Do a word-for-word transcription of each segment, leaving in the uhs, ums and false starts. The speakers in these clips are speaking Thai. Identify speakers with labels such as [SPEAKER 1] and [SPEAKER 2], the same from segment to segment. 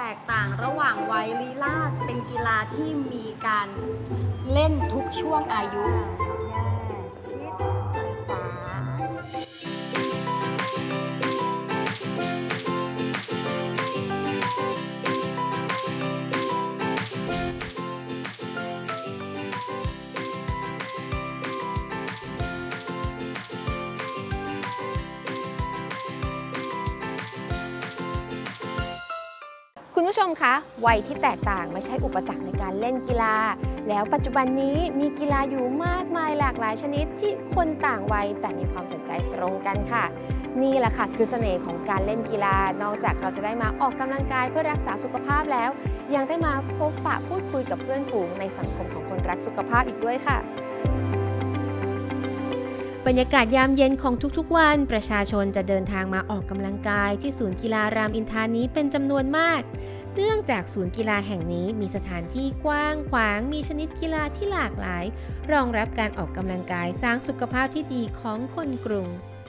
[SPEAKER 1] กต่างระหว่างวัยลีลาศเป็นกีฬาที่มีการเล่นทุกช่วงอายุชิดขวา
[SPEAKER 2] คุณผู้ชมคะวัยที่แตกต่างไม่ใช่อุปสรรคในการเล่นกีฬาแล้วปัจจุบันนี้มีกีฬาอยู่มากมายหลากหลายชนิดที่คนต่างวัยแต่มีความสนใจตรงกันค่ะนี่แหละค่ะคือเสน่ห์ของการเล่นกีฬานอกจากเราจะได้มาออกกำลังกายเพื่อรักษาสุขภาพแล้วยังได้มาพบปะพูดคุยกับเพื่อนฝูงในสังคมของคนรักสุขภาพอีกด้วยค่ะบรรยากาศยามเย็นของทุกๆวันประชาชนจะเดินทางมาออกกำลังกายที่ศูนย์กีฬารามอินทรานี้เป็นจำนวนมากเนื่องจากศูนย์กีฬาแห่งนี้มีสถานที่กว้างขวางมีชนิดกีฬาที่หลากหลายรองรับการออกกำลังกายสร้างสุขภาพที่ดีของคนกรุง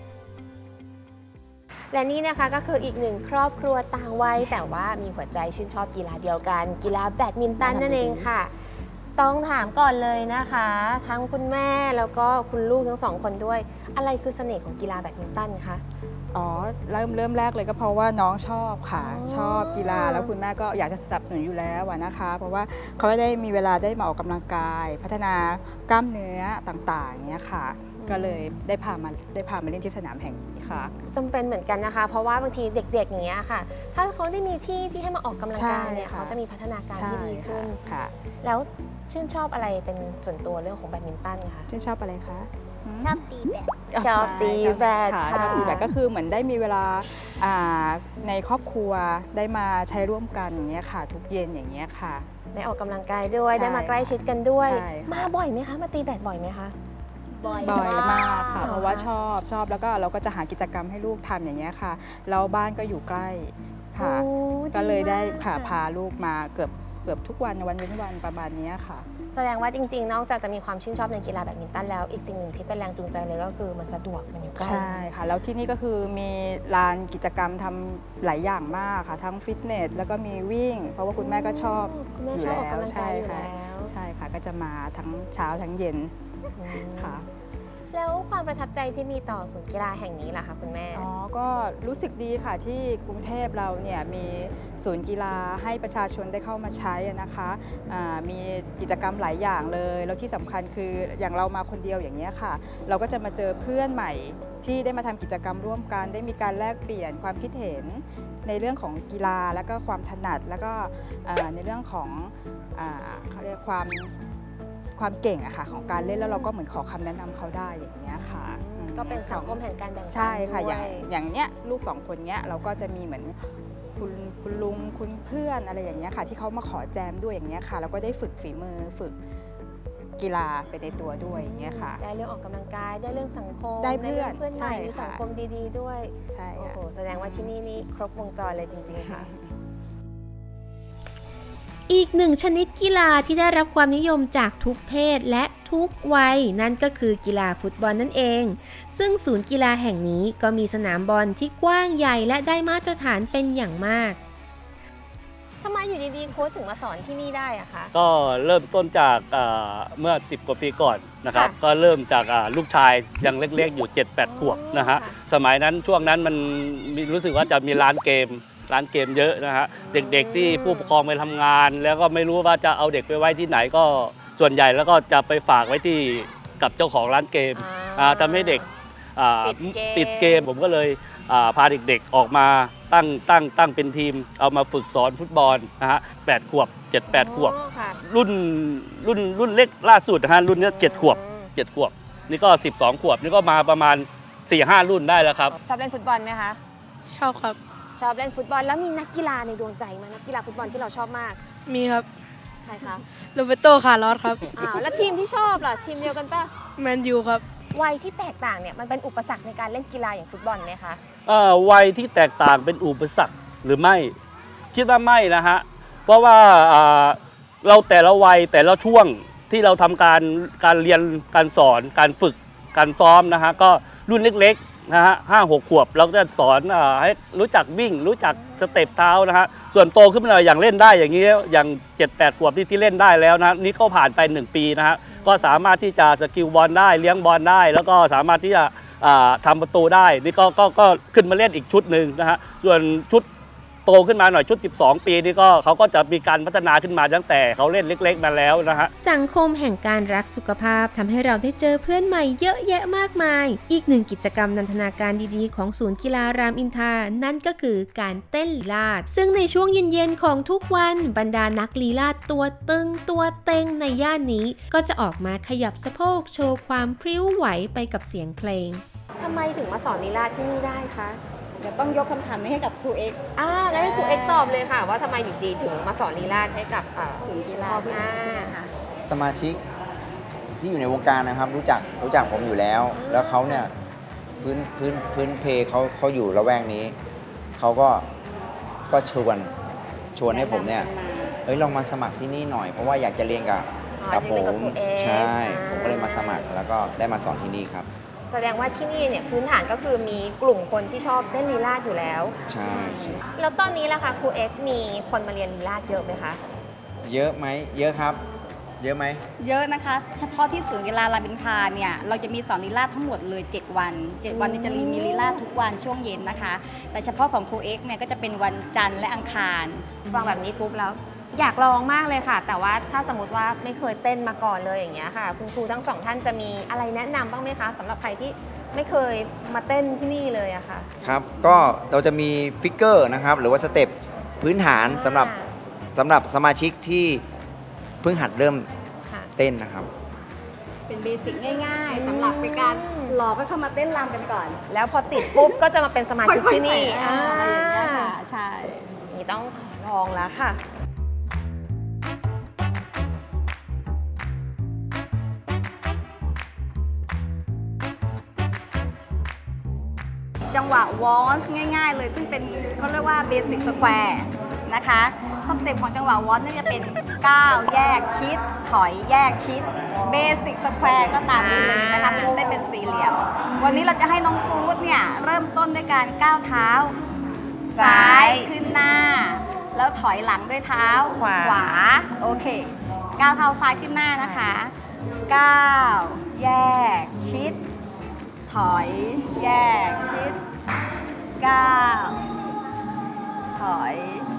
[SPEAKER 2] และนี่นะคะก็คืออีกหนึ่งครอบครัวต่างวัยแต่ว่ามีหัวใจชื่นชอบกีฬาเดียวกันกีฬาแบดมินตันนั่นเองค่ะต้องถามก่อนเลยนะคะทั้งคุณแม่แล้วก็คุณลูกทั้งสองคนด้วยอะไรคือเสน่ห์ของกีฬาแบดมินตันคะ
[SPEAKER 3] อ๋อเริ่มเริ่มแรกเลยก็เพราะว่าน้องชอบค่ะ
[SPEAKER 2] อ๋อ
[SPEAKER 3] ชอบกีฬาแล้วคุณแม่ก็อยากจะสนับสนุนอยู่แล้วนะคะ เพราะว่าเขาได้มีเวลาได้มาออกกำลังกาย พัฒนากล้ามเนื้อต่างๆเนี้ยค่ะก็เลยได้พามาได้พามาเล่นที่สนามแห่งนี้ค่ะ
[SPEAKER 2] จำเป็นเหมือนกันนะคะ เพราะว่าบางทีเด็กๆอย่างเงี้ยค่ะถ้าเขาได้มีที่ที่ให้มาออกกำลังกายเนี่ยเขาจะมีพัฒนาการที่ดีขึ้น
[SPEAKER 3] ค่ะ
[SPEAKER 2] แล้วชื่นชอบอะไรเป็นส่วนตัวเรื่องของแบดมินตันคะ
[SPEAKER 3] ชื่นชอบอะไรคะ
[SPEAKER 4] ชอบตีแบด
[SPEAKER 2] ชอบตีแบด
[SPEAKER 3] ค่ะชอบตีแบดก็คือเหมือนได้มีเวลาในครอบครัวได้มาใช้ร่วมกันอย่างเงี้ยค่ะทุกเย็นอย่างเงี้ยค่ะ
[SPEAKER 2] ได้ออกกำลังกายด้วยได้มาใกล้ชิดกันด้วยมาบ่อยไหมคะมาตีแบดบ่อยไหมคะ
[SPEAKER 3] บ่อยมากค่ะเพราะว่าชอบชอบแล้วก็เราก็จะหากิจกรรมให้ลูกทำอย่างเงี้ยค่ะแล้วบ้านก็อยู่ใกล้ค่ะก็เลยได้ค่ะพาลูกมาเกือบเกือบทุกวันวันเว้นวันประมาณนี้ค่ะ
[SPEAKER 2] แสดงว่าจริงๆนอกจากจะมีความชื่นชอบในกีฬาแบดมินตันแล้วอีกสิ่งหนึ่งที่เป็นแรงจูงใจเลยก็คือมันสะดวกมันอยู่ใกล้
[SPEAKER 3] ใช่ค่ะแล้วที่นี่ก็คือมีลานกิจกรรมทำหลายอย่างมากค่ะทั้งฟิตเนสแล้วก็มีวิ่งเพราะว่าคุณแม่ก็ชอบ
[SPEAKER 2] อยู่แล้วใช่ค่ะ
[SPEAKER 3] ใช่ค่ะก็จะมาทั้งเช้าทั้งเย็นค่ะ
[SPEAKER 2] แล้วความประทับใจที่มีต่อศูนย์กีฬาแห่งนี้ล่ะคะคุณแม่
[SPEAKER 3] อ๋อก็รู้สึกดีค่ะที่กรุงเทพเราเนี่ยมีศูนย์กีฬาให้ประชาชนได้เข้ามาใช้นะคะมีกิจกรรมหลายอย่างเลยแล้วที่สำคัญคืออย่างเรามาคนเดียวอย่างนี้ค่ะเราก็จะมาเจอเพื่อนใหม่ที่ได้มาทำกิจกรรมร่วมกันได้มีการแลกเปลี่ยนความคิดเห็นในเรื่องของกีฬาแล้วก็ความถนัดแล้วก็ในเรื่องของเขาเรียกความความเก่งอะค่ะของการเล่นแล้วเราก็เหมือนขอคำแนะนำเขาได้อย่างเงี้ยค่ะ
[SPEAKER 2] ก็เป็นสังคมแห่งการแบ่งปัน
[SPEAKER 3] ใช่ค่ะอย่างอย่างเนี้ยลูกสองคนเนี้ยเราก็จะมีเหมือนคุณคุณลุงคุณเพื่อนอะไรอย่างเงี้ยค่ะที่เขามาขอแจมด้วยอย่างเงี้ยค่ะเราก็ได้ฝึกฝีมือฝึกกีฬาไปในตัวด้วยอย่างเงี้ยค่ะ
[SPEAKER 2] ได้เรื่องออกกำลังกายได้เรื่องสังคม
[SPEAKER 3] ได้เพื่อน
[SPEAKER 2] เพื่อนใหม่มีสังคมดีๆด้วย
[SPEAKER 3] ใช่
[SPEAKER 2] โอ้โหแสดงว่าที่นี่นี่ครบวงจรเลยจริงๆค่ะอีกหนึ่งชนิดกีฬาที่ได้รับความนิยมจากทุกเพศและทุกวัยนั่นก็คือกีฬาฟุตบอลนั่นเองซึ่งศูนย์กีฬาแห่งนี้ก็มีสนามบอลที่กว้างใหญ่และได้มาตรฐานเป็นอย่างมากทำไมอยู่ดีๆโค้ชถึงมาสอนที่นี่ได้อะคะ
[SPEAKER 5] ก็เริ่มต้นจากเมื่อสิบกว่าปีก่อนนะครับก็เริ่มจากลูกชายยังเล็กๆอยู่ เจ็ดแปด ขวบนะฮะสมัยนั้นช่วงนั้นมันรู้สึกว่าจะมีร้านเกมร้านเกมเยอะนะฮะเด็กๆที่ผู้ปกครองไปทำงานแล้วก็ไม่รู้ว่าจะเอาเด็กไปไว้ที่ไหนก็ส่วนใหญ่แล้วก็จะไปฝากไว้ที่กับเจ้าของร้านเกมทำให้เด็กติดเกมผมก็เลยพาเด็กๆออกมาตั้งตั้งตั้งเป็นทีมเอามาฝึกสอนฟุตบอลนะฮะแปดขวบเจ็ดแปดขวบรุ่นรุ่นรุ่นเล็กล่าสุดนะฮะรุ่นนี้เจ็ดขวบเจ็ดขวบนี่ก็สิบสองขวบนี่ก็มาประมาณ สี่ห้า รุ่นได้แล้วครับ
[SPEAKER 2] ชอบเล่นฟุตบอลไหมคะ
[SPEAKER 6] ชอบครับ
[SPEAKER 2] ชอบเล่นฟุตบอลแล้วมีนักกีฬาในดวงใจไหมนักกีฬาฟุตบอลที่เราชอบมาก
[SPEAKER 6] มีครับ
[SPEAKER 2] ใครคะ
[SPEAKER 6] โรเบโต คาร์ลอสครับ
[SPEAKER 2] อ้าวแล้วทีมที่ชอบล่ะทีมเดียวกันป่ะ
[SPEAKER 6] แมนยูครับ
[SPEAKER 2] วัยที่แตกต่างเนี่ยมันเป็นอุปสรรคในการเล่นกีฬาอย่างฟุตบอลไหมคะ
[SPEAKER 5] วัยที่แตกต่างเป็นอุปสรรคหรือไม่คิดว่าไม่นะฮะเพราะว่าเราแต่ละวัยแต่ละช่วงที่เราทำการการเรียนการสอนการฝึกการซ้อมนะฮะก็รุ่นเล็กๆนะฮะห้าหกขวบเราก็จะสอนเอ่อให้รู้จักวิ่ง รู้จักสเต็ปเท้านะฮะส่วนโตขึ้นมาหน่อยอย่างเล่นได้อย่างนี้อย่างเจ็ดแปดขวบที่ที่เล่นได้แล้วนะนี่ก็ผ่านไปหนึ่งปีนะฮะก็สามารถที่จะสกิลบอลได้เลี้ยงบอลได้ แล้วก็สามารถที่จะอ่าทำประตูได้นี่ก็ก็ก็ขึ้นมาเล่นอีกชุดหนึ่งนะฮะส่วนชุดโตขึ้นมาหน่อยชุดสิบสองปีนี่ก็เขาก็จะมีการพัฒนาขึ้นมาตั้งแต่เขาเล่นเล็กๆมาแล้วนะฮะ
[SPEAKER 2] สังคมแห่งการรักสุขภาพทำให้เราได้เจอเพื่อนใหม่เยอะแยะมากมาย อีกหนึ่งกิจกรรมนันทนาการดีๆของศูนย์กีฬารามอินทรานั่นก็คือการเต้นลีลาศซึ่งในช่วงเย็นๆของทุกวันบรรดานักลีลาศตัวตึงตัวเต็งในย่านนี้ ก็จะออกมาขยับสะโพกโชว์ความพริ้วไหวไปกับเสียงเพลงทำไมถึงมาสอนลีลาศที่นี่ได้คะ
[SPEAKER 1] เดี๋ยวต้องยกคำถามนี้ให้กับครูเอก
[SPEAKER 2] อ่างั้นให้ครูเอ็กซ์ตอบเลยค่ะ ว่าทำไมอยู่ดีถึงมาสอนลีลาศให้กับอ่า
[SPEAKER 1] ศูนย์กีฬา
[SPEAKER 2] พ่อ
[SPEAKER 1] พี่
[SPEAKER 2] พี่
[SPEAKER 1] ใช่ไหมคะ
[SPEAKER 4] สมาชิกที่อยู่ในวงการนะครับรู้จักรู้จักผมอยู่แล้ว แล้วเขาเนี่ยพื้นพื้นพื้นเพเขาเขาอยู่ละแวกนี้เขาก็ก็ชวนชวนให้ผมเนี่ยเอ้ยลองมาสมัครที่นี่หน่อย เพราะว่าอยากจะเรียนกับ
[SPEAKER 2] อ๋อ
[SPEAKER 4] กับผ
[SPEAKER 2] เรียนกับ
[SPEAKER 4] ม
[SPEAKER 2] ครูเอ็กซ์
[SPEAKER 4] ใช่
[SPEAKER 2] ใช่
[SPEAKER 4] ผมก็เลยมาสมัครแล้วก็ได้มาสอนที่นี่ครับ
[SPEAKER 2] แสดงว่าที่นี่เนี่ยพื้นฐานก็คือมีกลุ่มคนที่ชอบเต้นลีลาศอยู่แล้ว
[SPEAKER 4] ใช่ใช่
[SPEAKER 2] แล้วตอนนี้ล่ะคะครูเอ็กซ์มีคนมาเรียนลีลาศเยอะไหมคะ
[SPEAKER 4] เยอะไหมเยอะครับ เยอะไหม
[SPEAKER 1] เยอะนะคะ เฉพาะที่ศูนย์กีฬารามอินทราเนี่ยเราจะมีสอนลีลาศทั้งหมดเลย เจ็ด วัน เจ็ด วันนี้จะมีลีลาศทุกวันช่วงเย็นนะคะ แต่เฉพาะของครูเอ็กซ์เนี่ยก็จะเป็นวันจันทร์และอังคาร
[SPEAKER 2] ฟังแบบนี้ปุ๊บแล้ว อยากลองมากเลยค่ะ แต่ว่าถ้าสมมติว่าไม่เคยเต้นมาก่อนเลยอย่างเงี้ยค่ะ คุณครูทั้งสองท่านจะมีอะไรแนะนำบ้างไหมคะสำหรับใครที่ไม่เคยมาเต้นที่นี่เลยอะค่ะ
[SPEAKER 4] ครับก็เราจะมีฟิกเกอร์นะครับหรือว่าสเต็ปพื้นฐานสำหรับสำหรับสมาชิกที่เพิ่งหัดเริ่ม
[SPEAKER 2] ค่ะ
[SPEAKER 4] เต้นนะครับ
[SPEAKER 1] เป็นเบสิกง่ายๆสำหรับเป็นการหลอกให้เข้ามาเต้นรำกันก่อน
[SPEAKER 2] แล้วพอติดปุ๊บก็จะมาเป็นสมาชิก
[SPEAKER 1] ค่อย
[SPEAKER 2] ที่
[SPEAKER 1] ๆใส่
[SPEAKER 2] นี่
[SPEAKER 1] อ่าอะไรอย่างเงี้ยค่ะใช่
[SPEAKER 2] นี่ต้องขอลองแล้วค่ะ
[SPEAKER 1] จังหวะวอลส์ง่ายๆเลยซึ่งเป็นเขาเรียกว่าเบสิกสแควร์นะคะสเต็ปของจังหวะวอลส์นี่จะเป็นก้าวแยกชิด ถอยแยกชิดเบสิกสแควร์ก็ตามนี้เลยนะคะเป็นเส้นเป็นสี่เหลี่ยม วันนี้เราจะให้น้องกู๊ดเนี่ยเริ่มต้นด้วยการก้าวเท้า ซ้ายขึ้นหน้า แล้วถอยหลังด้วยเท้า
[SPEAKER 2] ขวา
[SPEAKER 1] ขวาโอเคก้าวเท้าซ้ายขึ้นหน้านะคะก้าวแยกชิด ถอยแยกชิดก้าวถอย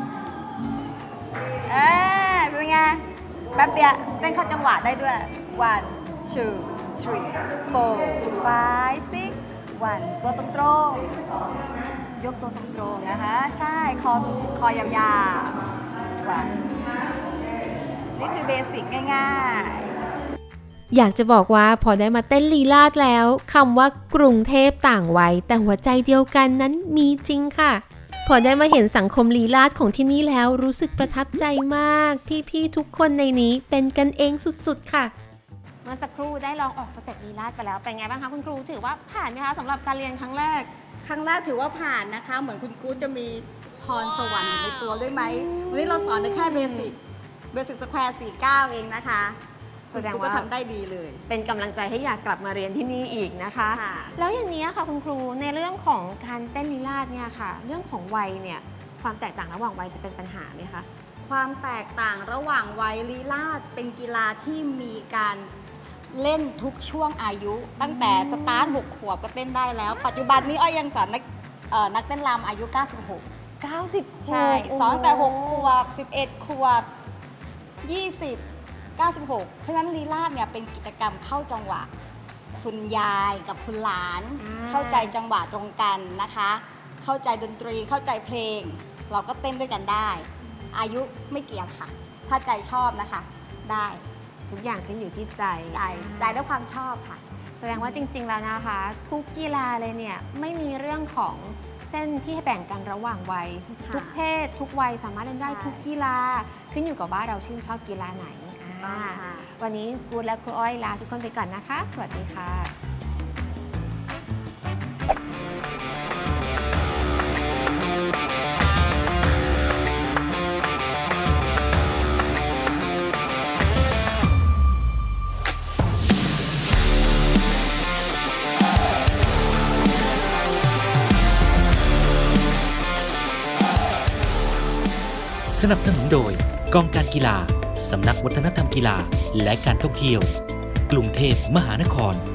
[SPEAKER 1] เอ๊ะเป็นไงแป๊บเดียวเต้นเข้าจังหวะได้ด้วย one two three four five six one ตัวตรงๆยกตัวตรงๆนะคะ ใช่คอสุดคอยาวๆ one นี่คือเบสิกง่ายๆ
[SPEAKER 2] อยากจะบอกว่าพอได้มาเต้นลีลาศแล้วคำว่ากรุงเทพต่างวัยแต่หัวใจเดียวกันนั้นมีจริงค่ะ พอได้มาเห็นสังคมลีลาศของที่นี่แล้วรู้สึกประทับใจมาก พี่ๆทุกคนในนี้เป็นกันเองสุดๆค่ะ เมื่อสักครู่ได้ลองออกสเต็ปลีลาศไปแล้วเป็นไงบ้างคะคุณครูถือว่าผ่านไหมคะสำหรับการเรียนครั้งแรก
[SPEAKER 1] ครั้งแรกถือว่าผ่านนะคะ เหมือนคุณกู๊ดจะมีพรสวรรค์อยู่ในตัวด้วยไหม วันนี้เราสอนไปแค่เบสิกเบสิกสแควร์สี่เก้าเองนะคะ
[SPEAKER 2] แสดง
[SPEAKER 1] คุณ
[SPEAKER 2] ว่า
[SPEAKER 1] ก็ทำได้ดีเลย
[SPEAKER 2] เป็นกำลังใจให้อยากกลับมาเรียนที่นี่อีกนะคะ
[SPEAKER 1] ค่ะ
[SPEAKER 2] แล้วอย่างนี้ค่ะคุณครูในเรื่องของการเต้นลีลาศเนี่ยค่ะ เรื่องของวัยเนี่ยความแตกต่างระหว่างวัยจะเป็นปัญหาไหมคะ
[SPEAKER 1] ความแตกต่างระหว่างวัยลีลาศเป็นกีฬาที่มีการเล่นทุกช่วงอายุ ตั้งแต่สตาร์ทหกขวบก็เต้นได้แล้ว ปัจจุบันนี้อ้อยยังสอนนักเอ่อนักเต้นรำอายุ เก้าสิบหก
[SPEAKER 2] เก้าสิบ
[SPEAKER 1] ใช่สอนตั้งแต่หกขวบสิบเอ็ดขวบยี่สิบ เก้าสิบหก เพราะฉะนั้นลีลาศเนี่ยเป็นกิจกรรมเข้าจังหวะ คุณยายกับคุณหลาน เข้าใจจังหวะตรงกันนะคะ เข้าใจดนตรีเข้าใจเพลง เราก็เต้นด้วยกันได้ อายุไม่เกี่ยงค่ะ ถ้าใจชอบนะคะ ได้
[SPEAKER 2] ทุกอย่างขึ้นอยู่ที่ใจ
[SPEAKER 1] ใจใจด้วยความชอบค่ะ
[SPEAKER 2] แสดงว่าจริงๆแล้วนะคะ ทุกกีฬาเลยเนี่ยไม่มีเรื่องของเส้นที่ให้แบ่งกันระหว่างวัย
[SPEAKER 1] ค่ะ
[SPEAKER 2] ทุกเพศ ทุกวัยสามารถเล่นได้
[SPEAKER 1] ใช่
[SPEAKER 2] ทุกกีฬาขึ้นอยู่กับว่าเราชื่นชอบกีฬาไหนอ่า
[SPEAKER 1] ค่ะ
[SPEAKER 2] วันนี้กูดและครูอ้อยลาทุกคนไปก่อนนะคะ สวัสดีค่ะ
[SPEAKER 7] สนับสนุนโดยกองการกีฬา สำนักวัฒนธรรมกีฬาและการท่องเที่ยว กรุงเทพมหานคร